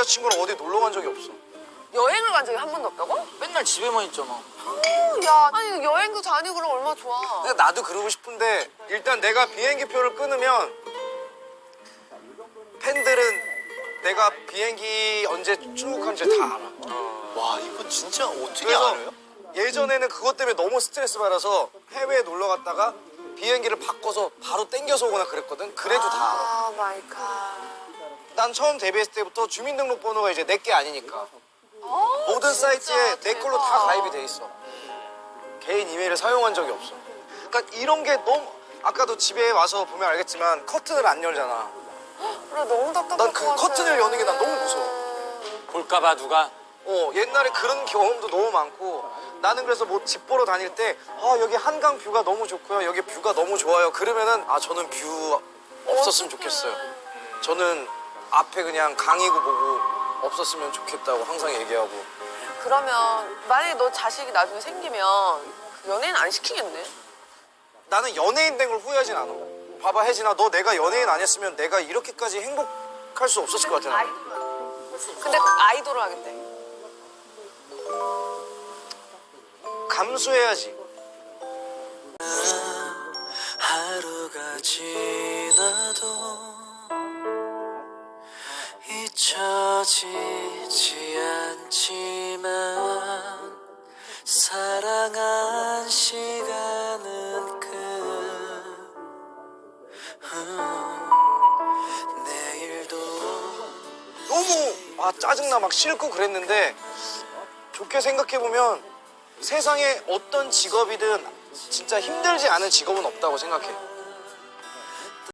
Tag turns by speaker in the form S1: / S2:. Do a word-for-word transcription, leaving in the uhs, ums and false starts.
S1: 여자친구랑 어디 놀러 간 적이 없어.
S2: 여행을 간 적이 한 번도 없다고?
S3: 맨날 집에만 있잖아.
S2: 야, 아니 여행도 다니고 그럼 얼마나 좋아.
S1: 근데 나도 그러고 싶은데 일단 내가 비행기 표를 끊으면 팬들은 내가 비행기 언제 출국한지 다 알아.
S3: 와, 이거 진짜 어떻게
S1: 그래서
S3: 알아요?
S1: 예전에는 그것 때문에 너무 스트레스 받아서 해외에 놀러 갔다가 비행기를 바꿔서 바로 땡겨서 오거나 그랬거든. 그래도 다 알아.
S2: 아 마이 갓.
S1: 난 처음 데뷔했을 때부터 주민등록번호가 이제 내 게 아니니까
S2: 어,
S1: 모든
S2: 진짜
S1: 사이트에 내 걸로 다
S2: 대박.
S1: 가입이 돼 있어. 개인 이메일을 사용한 적이 없어. 그러니까 이런 게 너무 아까도 집에 와서 보면 알겠지만 커튼을 안 열잖아.
S2: 그래 너무 답답할
S1: 난
S2: 것
S1: 그
S2: 같아.
S1: 커튼을 여는 게 난 너무 무서워.
S3: 볼까봐 누가?
S1: 어 옛날에 그런 경험도 너무 많고 나는 그래서 뭐 집 보러 다닐 때 아 여기 한강 뷰가 너무 좋고요. 여기 뷰가 너무 좋아요. 그러면은 아 저는 뷰 없었으면 좋겠어요. 저는 앞에 그냥 강이고 보고 없었으면 좋겠다고 항상 얘기하고.
S2: 그러면 만약에 너 자식이 나중에 생기면 연예인 안 시키겠네?
S1: 나는 연예인 된 걸 후회하진 않아. 봐봐 혜진아 너 내가 연예인 아니었으면 내가 이렇게까지 행복할 수 없었을 것 같아. 나는.
S2: 근데 아이돌을 하겠대.
S1: 감수해야지.
S3: 하루가 지나도 잊혀지지 않지만 사랑한 시간은 끝. 음, 내일도
S1: 너무 아 짜증나 막 싫고 그랬는데 좋게 생각해보면 세상에 어떤 직업이든 진짜 힘들지 않은 직업은 없다고 생각해.